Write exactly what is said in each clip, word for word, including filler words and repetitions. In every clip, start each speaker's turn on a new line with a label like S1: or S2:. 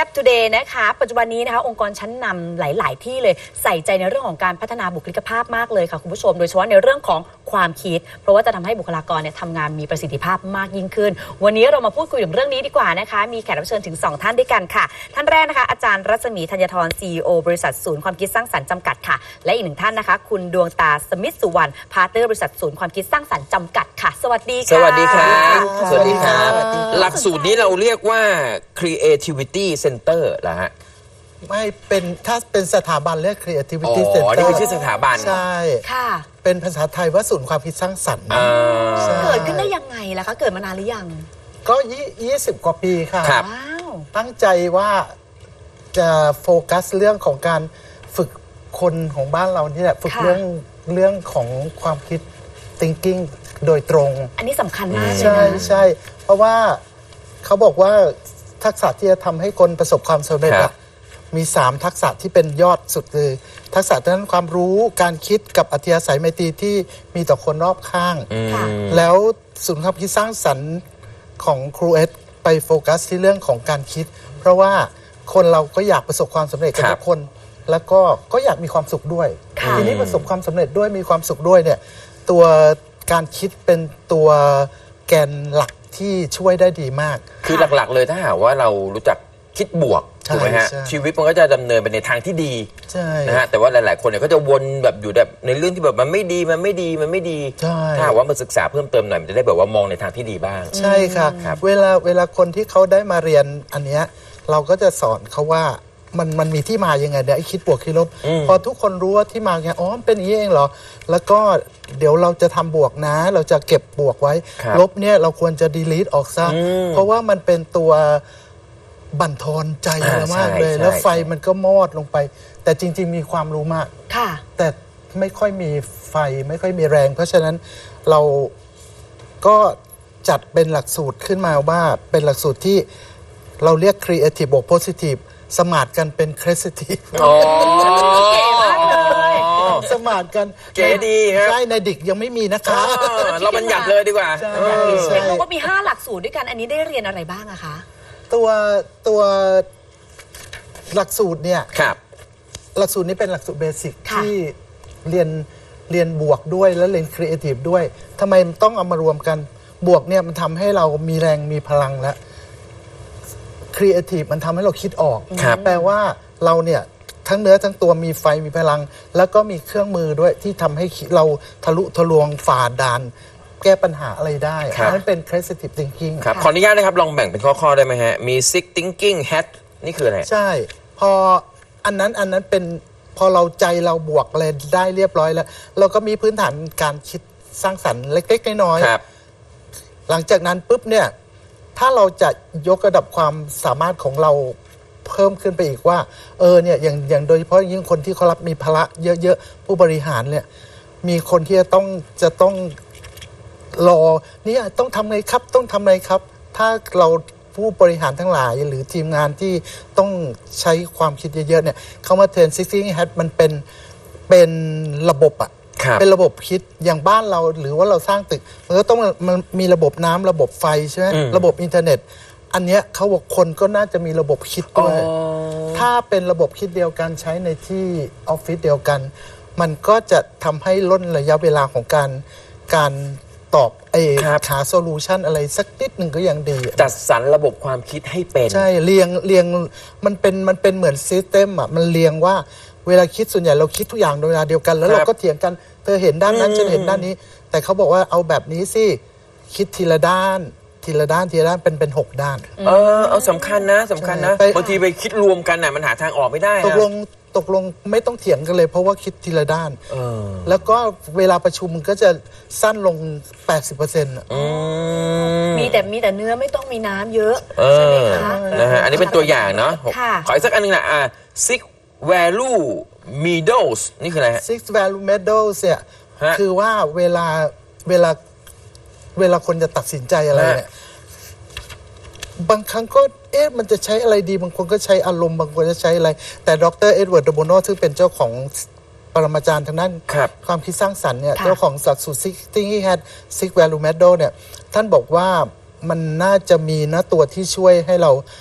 S1: ซ่บทูเดย์นะคะปัจจุบันนี้นะคะองค์กรชั้นนำหลายๆที่เลยใส่ใจในเรื่องของการพัฒนาบุคลิกภาพมากเลยค่ะคุณผู้ชมโดยเฉพาะในเรื่องของความคิดเพราะว่าจะทำให้บุคลากรเนี่ยทำงานมีประสิทธิภาพมากยิ่งขึ้นวันนี้เรามาพูดคุยถึงเรื่องนี้ดีกว่านะคะมีแขกรับเชิญถึงสองท่านด้วยกันค่ะท่านแรกนะคะอาจารย์รัศมีธัญธร ซี อี โอ บริษัทศูนย์ความคิดสร้างสรรค์จำกัดค่ะและอีกหนึ่งท่านนะคะคุณดวงตาสมิทธสุวรรณพาร์ทเนอร์บริษัทศูนย์ความคิดสร้างสรรค์จำกัดค่ะสวัสดีค่ะ
S2: สวัสดีครับสวัสดีครับหลักสูตรนี้เราเรียกว่า creativity center เหรอฮะ
S3: ไม่เป็นถ้าเป็นสถาบันเรียก creativity
S2: อ๋อ
S3: center
S2: นี่คือชื่อสถาบัน
S3: ใช่
S1: ค่ะ
S3: เป็นภาษาไทยว่าศูนย์ความคิดสร้างสรรค์
S1: เกิดขึ้นได้ยังไงล่ะคะเกิดมานานหรือยัง
S3: ก็ยี่สิบกว่าปีค่ะ
S1: ว้าว
S3: ตั้งใจว่าจะโฟกัสเรื่องของการฝึกคนของบ้านเรานี่แหละฝึกเรื่องเรื่องของความคิด thinking โดยตรง
S1: อันนี้สำคัญมากเลยนะ
S3: ใช่ใช่เพราะว่าเขาบอกว่าทักษะที่จะทำให้คนประสบความสำเร็จมีสามทักษะที่เป็นยอดสุดเลยทักษะด้านความรู้การคิดกับอัธยาศัยไมตรีที่มีต่อคนรอบข้างแล้วศูนย์ความคิดสร้างสรรค์ของครูเอสไปโฟกัสที่เรื่องของการคิดเพราะว่าคนเราก็อยากประสบความสำเร็จกันทุกคนแล้วก็ก็อยากมีความสุขด้วยทีนี้ประสบความสำเร็จด้วยมีความสุขด้วยเนี่ยตัวการคิดเป็นตัวแกนหลักที่ช่วยได้ดีมาก
S2: คือหลักๆเลยถ้าหากว่าเรารู้จักคิดบวกถูกไหมฮะชีวิตมันก็จะดำเนินไปในทางที่ดีนะฮะแต่ว่าหลายๆคนเนี่ยก็จะวนแบบอยู่แบบในเรื่องที่แบบมันไม่ดีมันไม่ดีมันไม่ดีถ้าหากว่ามาศึกษาเพิ่มเติมหน่อยมันจะได้แบบว่ามองในทางที่ดีบ้าง
S3: ใช่ค่ะเวลาเวลาคนที่เขาได้มาเรียนอันเนี้ยเราก็จะสอนเขาว่ามันมันมีที่มายังไงเดี๋ยวไอ้คิดบวกคิดลบพอทุกคนรู้ว่าที่มาไงอ๋อเป็นอย่างนี้เองเหรอแล้วก็เดี๋ยวเราจะทำบวกนะเราจะเก็บบวกไว้ลบเนี่ยเราควรจะ delete ออกซะเพราะว่ามันเป็นตัวบั่นทอนใจเรามากเลยแล้วไฟมันก็มอดลงไปแต่จริงๆมีความรู้มากแต่ไม่ค่อยมีไฟไม่ค่อยมีแรงเพราะฉะนั้นเราก็จัดเป็นหลักสูตรขึ้นมาว่าเป็นหลักสูตรที่เราเรียก creative บวก positive สมาร์ทกันเป็น creative
S2: อ๋อ
S1: เก๋มากเลย
S3: สมาร์ทกัน
S2: เก๋ดีครับ
S3: ใช่ในดิกยังไม่มีนะคะ
S2: เราบัญญัติเลยดีกว่า
S1: ใช่เห็นบอกว่ามีห้าหลักสูตรด้วยกันอันนี้ได้เรียนอะไรบ้างอะคะ
S3: ตัวตัวหลักสูตรเนี่ย
S2: ครับ
S3: หลักสูตรนี้เป็นหลักสูตรเบสิกที่เรียนเรียนบวกด้วยแล้วเรียนครีเอทีฟด้วยทำไมต้องเอามารวมกันบวกเนี่ยมันทำให้เรามีแรงมีพลังแล้วครีเอทีฟมันทำให้เราคิดออกแปลว่าเราเนี่ยทั้งเนื้อทั้งตัวมีไฟมีพลังแล้วก็มีเครื่องมือด้วยที่ทำให้เราทะลุทะลวงฝ่าด่านแก้ปัญหาอะไรได้นั่นเป็น creative thinking
S2: ครับขออนุญาตนะครับลองแบ่งเป็นข้อๆได้ไหมฮะมี six thinking hat นี่คืออะไร
S3: ใช่พออันนั้นอันนั้นเป็นพอเราใจเราบวกอะไรได้เรียบร้อยแล้วเราก็มีพื้นฐานการคิดสร้างสรรค์เล็กๆน้อยๆหลังจากนั้นปุ๊บเนี่ยถ้าเราจะยกระดับความสามารถของเราเพิ่มขึ้นไปอีกว่าเออเนี่ยอย่างอย่างโดยเฉพาะยิ่งคนที่เขารับมีภาระเยอะๆผู้บริหารเนี่ยมีคนที่จะต้องจะต้องรอเนี่ยต้องทำไงครับต้องทำไงครับถ้าเราผู้บริหารทั้งหลายหรือทีมงานที่ต้องใช้ความคิดเยอะๆเนี่ยเขามาเทรน Thinking Hat มันเป็นเป็นระบบอะเป็นระบบคิดอย่างบ้านเราหรือว่าเราสร้างตึกมันก็ต้องมันมีระบบน้ำระบบไฟใช่ไหมระบบอินเทอร์เน็ตอันเนี้ยเขาบอกคนก็น่าจะมีระบบคิดด้วยถ้าเป็นระบบคิดเดียวกันใช้ในที่ออฟฟิศเดียวกันมันก็จะทำให้ลดระยะเวลาของการการตอบไอ้หาโซลูชันอะไรสักนิดหนึ่งก็ยังดี
S2: จัดสรรระบบความคิดให้เป็น
S3: ใช่เรียงเรียงมันเป็นมันเป็นเหมือนซิสเต็มอ่ะมันเรียงว่าเวลาคิดส่วนใหญ่เราคิดทุกอย่างโดยเวลาเดียวกันแล้วเราก็เถียงกันเธอเห็นด้านนั้นฉันเห็นด้านนี้แต่เขาบอกว่าเอาแบบนี้สิคิดทีละด้านทีละด้านทีละด้านเป็นเป็นหกด้าน
S2: เออเอาสำคัญนะสำคัญนะบางทีไปคิดรวมกันน่ะมันหาทางออกไม่ได้
S3: ตกลงตกลงไม่ต้องเถียงกันเลยเพราะว่าคิดทีละด้านแล้วก็เวลาประชุมมันก็จะสั้นลง แปดสิบเปอร์เซ็นต์
S1: มีแต่มีแต่เนื้อไม่ต้องมีน้ำเยอะใช่ไหมคะ
S2: นะฮะอันนี้เป็นตัวอย่างเนาะขออีกสักอันนึงนะอ่า six value medals นี่คืออะไรฮะ
S3: six value medals เนี่ยคือว่าเวลาเวลาเวลาคนจะตัดสินใจอะไรเนี่ยบางครั้งก็เอ๊ะมันจะใช้อะไรดีบางคนก็ใช้อารมณ์บางคนจะใช้อะไรแต่ดร.เอ็ดเวิร์ด เดอโบโนซึ่งเป็นเจ้าของปรมาจารย์ทางด้านความคิดสร้างสรรค์เนี่ยเจ้าของหลักสูตร Thinking Hat Six Value Medal เนี่ยท่านบอกว่ามันน่าจะมีนะตัวที่ช่วยให้เรา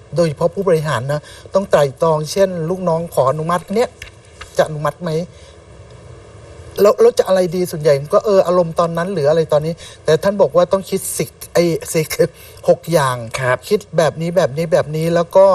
S3: โดยเฉพาะผู้บริหารนะต้องไตร่ตรองเช่น ลูกน้องขออนุมัติเนี้ยจะอนุมัติไหมแล้วแล้วจะอะไรดีส่วนใหญ่ก็เอออารมณ์ตอนนั้นหรืออะไรตอนนี้ แต่ท่านบอกว่าต้องคิดสิกไอ้สิกหกอย่าง คิดแบบนี้แบบนี้แบบนี้แล้วก็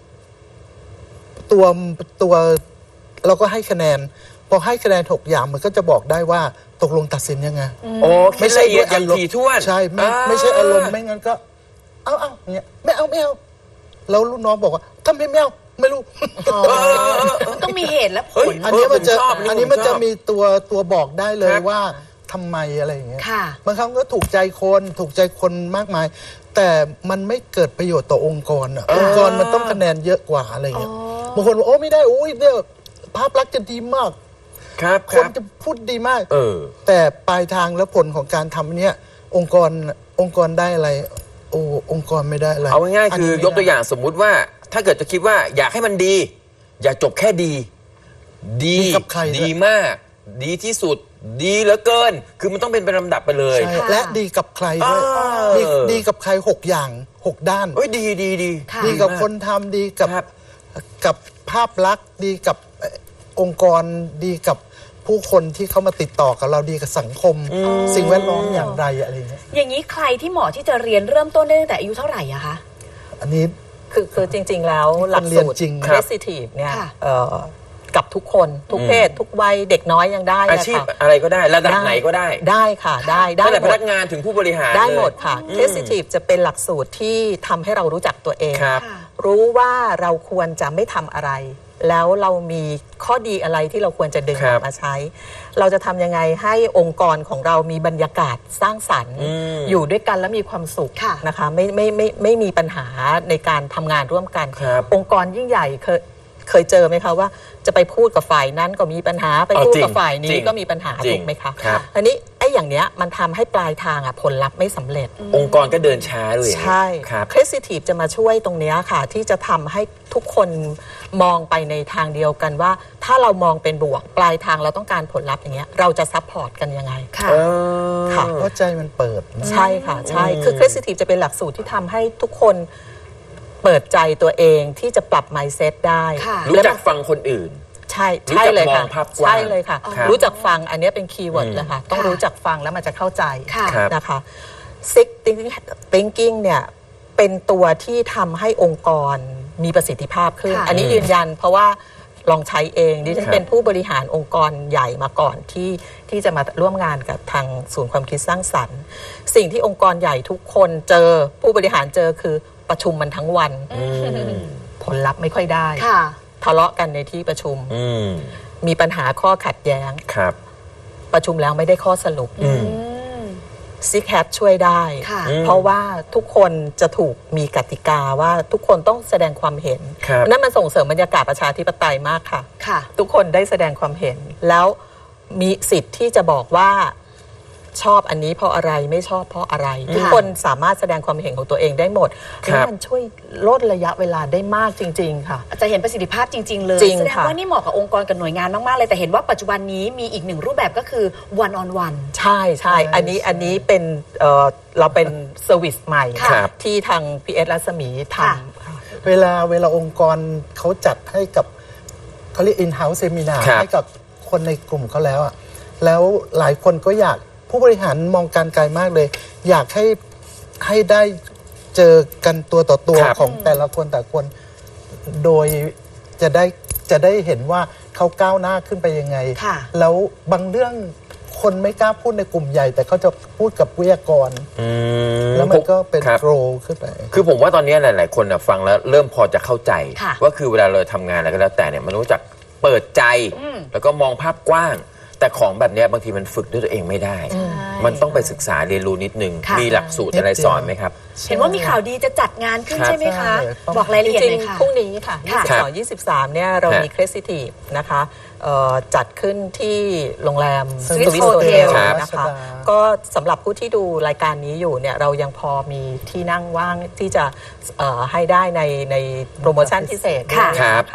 S3: ตัวตัวเราก็ให้คะแนนพอให้คะแนนหกอย่างมันก็จะบอกได้ว่าตกลงตัดสินยังไง
S2: โอ้ไม่ใช่ละเอียดอย่างถี่ถ้วน
S3: ใช่ไม่ไม่ใช่อารมณ์ไม่งั้นก็ เอาเอาเงี้ยไม่เอาไม่เอาแล้วลูกน้องบอกว่าทำไมไม่เอาไม่รู้
S1: ต้องมีเหตุและผล
S3: อันนี้มันจะ
S2: ผมชอบ
S3: อันนี้มัน
S2: ผมช
S3: จะ
S2: อบ
S3: มีตัวตัวบอกได้เลย
S2: ครับ
S3: ว่าทำไมอะไรอย่างเงี้ย
S1: ค่ะ
S3: บางครั้งก็ถูกใจคนถูกใจคนมากมาย แต่มันไม่เกิดประโยชน์ต่อองค์กรอะองค์กรมันต้องคะแนนเยอะกว่าอะไรเงี้ยบางคนบอกโอ้ไม่ได้โอ้ยเนี่ยภาพลักษณ์จะดีมาก
S2: ครับ
S3: ค
S2: คน รับ
S3: จะพูดดีมาก
S2: เออ
S3: แต่ปลายทางและผลของการทำเนี้ยองค์กรองค์กรได้อะไร โอ้องค์กรไม่ได้อะไร
S2: เอาง่ายๆคือน
S3: นี้ไม่
S2: ยกตัว
S3: ได้
S2: อย่างสมมุติว่า ถ้าเกิดจะคิดว่าอยากให้มันดี อย่าจบแค่ดี ดี
S3: ดีกับใครด้วย
S2: ดีมาก ดีที่สุด ดีเหลือเกิน คือมันต้องเป็นเป็นลำดับไปเลย
S3: ใช่และดีกับใครด้วย
S2: เออ
S3: ดีดีกับใครหกอย่างหกด้าน
S2: เอ้ยดีดีดี
S1: ค่ะ
S3: ดีกับ
S2: มาก
S3: คนทำดีกับ
S2: ครับ
S3: กับภาพลักษณ์ดีกับเอ่อองค์กรดีกับผู้คนที่เขามาติดต่อกับเราดีกับสังคม สิ่งแวดล้อมอย่างไรอะไรอย่างเงี้ย
S1: อย่างนี้ใครที่เหมาะที่จะเรียนเริ่มต้นได้ตั้งแต่อายุเท่าไหร่อะคะ
S3: อันนี้
S4: คือคือจริง ๆ แล้วหลัก
S3: เรียน
S4: สูตร
S3: จริง
S4: Creative เนี่ย
S1: ค่ะ
S4: เอ่อกับทุกคนทุกเพศ ทุกวัยเด็กน้อยยังได้
S2: อา
S4: นะ
S2: ชีพ
S4: คะ
S2: อะไรก็ได้ระดับไหนก็ได้
S4: ได้ค่ะได้ได้
S2: ตั้งแต่
S4: ห
S2: พ
S4: ม
S2: นั
S4: ด
S2: กงานถึงผู้บริหาร
S4: ได้
S2: เลย
S4: หมดค่ะ Creative จะเป็นหลักสูตรที่ทำให้เรารู้จักตัวเอง
S2: ครับ
S1: ค่ะ
S4: รู้ว่าเราควรจะไม่ทำอะไร แล้วเรามีข้อดีอะไรที่เราควรจะดึง
S2: ครับ
S4: มาใช้ เราจะทำยังไงให้องค์กรของเรามีบรรยากาศสร้างสรรค์
S2: อืม
S4: อยู่ด้วยกันและมีความสุข
S1: ค่ะ
S4: นะคะไม่ไม่ไม่ไม่มีปัญหาในการทำงานร่วมกัน
S2: ครับ
S4: องค์กรยิ่งใหญ่เคยเคยเจอไหมคะว่าจะไปพูดกับฝ่ายนั้นก็มีปัญหาไป
S2: อ๋อ
S4: พูด
S2: จริง
S4: กับฝ่าย
S2: จ
S4: นี้
S2: ริง
S4: ก็มีปัญหา
S2: จริง
S4: ถูกไหมคะ
S2: ครับ
S4: อันนี้ไอ้อย่างเนี้ยมันทำให้ปลายทางอ่ะผลลัพธ์ไม่สำเร็จ
S2: องค์กรก็เดินช้าด้วย
S4: ใช่
S2: ครับ
S4: Creative จะมาช่วยตรงเนี้ยค่ะ ที่จะทำให้ทุกคนมองไปในทางเดียวกันว่า ถ้าเรามองเป็นบวกปลายทางเราต้องการผลลัพธ์อย่างเงี้ยเราจะซัพพอร์ตกันยังไง
S1: ค่ะ
S2: เออ
S4: ค่ะ
S3: เพราะใจมันเปิดนะ
S4: ใช่ค่ะ ใช่ คือ Creative จะเป็นหลักสูตรที่ทำให้ทุกคนเปิดใจตัวเองที่จะปรับ mindset ได้
S1: ค่ะ
S2: รู้จักฟังคนอื่น
S4: ใช่
S2: รู้
S4: ใช่
S2: จัก
S4: เลย
S2: มอ
S4: ค่ะ
S2: งภาพกว้าง
S4: ใช่เลยค่ะ
S2: ครับ
S4: รู้จักฟังอันเนี้ยเป็นคีย์เวิร์ด
S2: อืม
S4: เลยค่ะ ต้อง
S1: ค่ะ
S4: รู้จักฟังแล้วมันจะเข้าใจ
S1: ค่ะ
S2: ครับ
S4: นะคะ Six Thinking เนี่ยเป็นตัวที่ทำให้องค์กรมีประสิทธิภาพขึ้น
S1: ค่ะ
S4: อันนี้ยืนยันเพราะว่าลองใช้เองดิฉัน
S2: ครับ
S4: เป็นผู้บริหารองค์กรใหญ่มาก่อนที่ที่จะมาร่วมงานกับทางศูนย์ความคิดสร้างสรรค์ สิ่งที่องค์กรใหญ่ทุกคนเจอผู้บริหารเจอคือประชุมมันทั้งวัน
S2: อืม
S4: ผลลัพธ์ไม่ค่อยได้
S1: ค่ะ
S4: ทะเลาะกันในที่ประชุม
S2: อืม
S4: มีปัญหาข้อขัดแย้ง
S2: ครับ
S4: ประชุมแล้วไม่ได้ข้อสรุป
S2: อืม
S4: ซิกแฮปช่วยได้
S1: ค่ะ
S4: เพราะว่าทุกคนจะถูกมีกติกาว่าทุกคนต้องแสดงความเห็น
S2: ครับ
S4: นั่นมันส่งเสริมบรรยากาศประชาธิปไตยมากค่ะ
S1: ค่ะ
S4: ทุกคนได้แสดงความเห็น แล้วมีสิทธิ์ที่จะบอกว่าชอบอันนี้เพราะอะไรไม่ชอบเพราะอะไร ทุกคนสามารถแสดงความเห็นของตัวเองได้หมด
S2: ครับ
S4: แล้วมันช่วยลดระยะเวลาได้มากจริง ๆ ค่ะ
S1: จะเห็นประสิทธิภาพจริง ๆ เลย
S4: จริง
S1: แสดง
S4: ค่ะ
S1: ว่านี่เหมาะกับองค์กรกับหน่วยงานมาก ๆ เลย แต่เห็นว่าปัจจุบันนี้มีอีกหนึ่งรูปแบบก็คือ one on one
S4: ใช่ใช่อันนี้อันนี้เป็นเอ่อเราเป็นเซอร์วิสใหม่
S2: ครับ
S4: ที่ทาง พี เอส รัศมีท
S1: ค่ะ
S4: ำ
S3: เวลาเวลาองค์กรเขาจัดให้กับเขาเรียก in-house seminar
S2: ครับ
S3: ให้กับคนในกลุ่มเขาแล้วอะแล้วหลายคนก็อยากผู้บริหารมองการไกลมากเลย อยากให้ให้ได้เจอกันตัวต่อตัว
S2: ครับ
S3: ของแต่ละคนแต่ละคน โดยจะได้จะได้เห็นว่าเขาก้าวหน้าขึ้นไปยังไง
S1: ค่ะ
S3: แล้วบางเรื่องคนไม่กล้าพูดในกลุ่มใหญ่ แต่เขาจะพูดกับวิทยากร
S2: อืม
S3: แล้วมันก็เป็น
S2: ครับ
S3: โกรขึ้นไป
S2: คือผมว่าตอนนี้หลาย ๆ คนน่ะฟังแล้วเริ่มพอจะเข้าใจ
S1: ค่ะ
S2: ว่าคือเวลาเราทำงานอะไรก็แล้วแต่เนี่ยมันรู้จักเปิดใจ
S1: อืม
S2: แล้วก็มองภาพกว้าง แต่ของแบบเนี้ยบางทีมันฝึกด้วยตัวเองไม่ได้ มันต้องไปศึกษาเรียนรู้นิดนึง
S1: ค่ะ
S2: มีหลักสูตรอะไรสอนไหมครับ
S1: เห็นว่ามีข่าวดีจะจัดงานขึ้น
S2: ครับ
S1: ใช่ไหมคะ
S3: ใช่
S1: บอกรายละเอียด
S4: จ
S1: เล
S4: ริ
S1: ย
S4: ง
S1: ค่ะ
S4: ๆพรุ่งนี้ค่ะ
S1: ค่ะ
S4: ยี่สิบสอง ยี่สิบสามเนี่ยเรา
S2: ฮะ
S4: มี Creative นะคะเอ่อจัดขึ้นที่โรงแรม
S3: Swiss
S4: Swiss
S1: Hotel
S4: Hotel
S3: ครับ
S4: นะคะ ก็สำหรับผู้ที่ดูรายการนี้อยู่เนี่ยเรายังพอมีที่นั่งว่างที่จะเอ่อให้ได้ในในโปรโมชั่นพิเศษด้วย
S1: ค่ะ
S4: นะคะ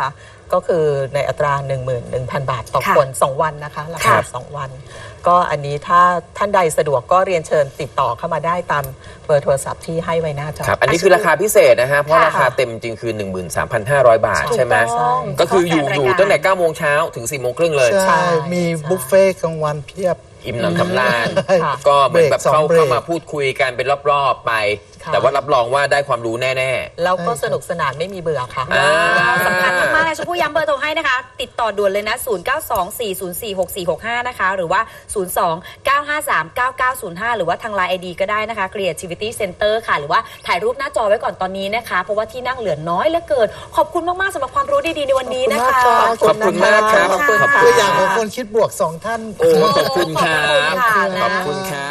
S4: ก็คือในอัตรา หนึ่งหมื่นหนึ่งพัน บาทต่อ
S1: ค่ะ
S4: คน สอง วันนะคะรา
S1: ครั
S4: คา
S1: บ
S4: สองวัน ก็อันนี้ถ้าท่านใดสะดวกก็เรียนเชิญติดต่อเข้ามาได้ตามเบอร์โทรศัพท์ที่ให้ไว้หน้าจอ
S2: ครับ อันนี้คือราคาพิเศษนะฮะ เพราะ
S1: ค่ะ
S2: ราคาเต็มจริงคือ หนึ่งหมื่นสามพันห้าร้อย บาท
S1: ถูก
S2: ใช่ไหม
S1: ต้อง
S2: ก็คืออยู่
S1: เฉพาะ
S2: อยู่
S1: แฟนรายการ
S2: ตั้งแต่เก้าโมงเช้าถึงสี่โมงครึ่งเลย
S3: ใช่ มี
S4: ใช่
S3: บุฟเฟ่ต์กลางวันเพียบ
S2: อิ่มหนำสำราญ
S4: ค่ะ
S2: ก็เหมือนแบบ
S3: เบรกสอง
S2: เข้า
S3: เบรก
S2: เข้ามาพูดคุยกันเป็นรอบๆไป
S4: ค่ะ
S2: แต่ว่ารับรองว่าได้ความรู้แน่
S4: แล้วก็สนุกสนานไม่มีเบื่อค่ะ
S2: อ่า
S1: สำคัญมากๆเลยชมพู่ย้ำเบอร์โทรให้นะคะ ติดต่อด่วนเลยนะ ศูนย์ เก้า สอง สี่ ศูนย์ สี่ หก สี่ หก ห้า นะคะ หรือว่า ศูนย์ สอง เก้า ห้า สาม เก้า เก้า ศูนย์ ห้า หรือว่าทาง ไลน์ ไอ ดี ก็ได้นะคะ Creativity Center ค่ะ หรือว่าถ่ายรูปหน้าจอไว้ก่อนตอนนี้นะคะ เพราะว่าที่นั่งเหลือน้อยเหลือเกิน ขอบคุณมากๆสำหรับความรู้ดีๆในวันนี้นะคะ
S2: ขอบคุณมากครับ
S1: ขอบคุณค่ะ
S2: ขอบคุณ
S3: ตัวอย่างของคนคิดบวกสองท่าน
S2: ๆ โอ้ขอบคุณครับ
S1: ขอบคุณค่ะ
S2: ขอบคุณครับ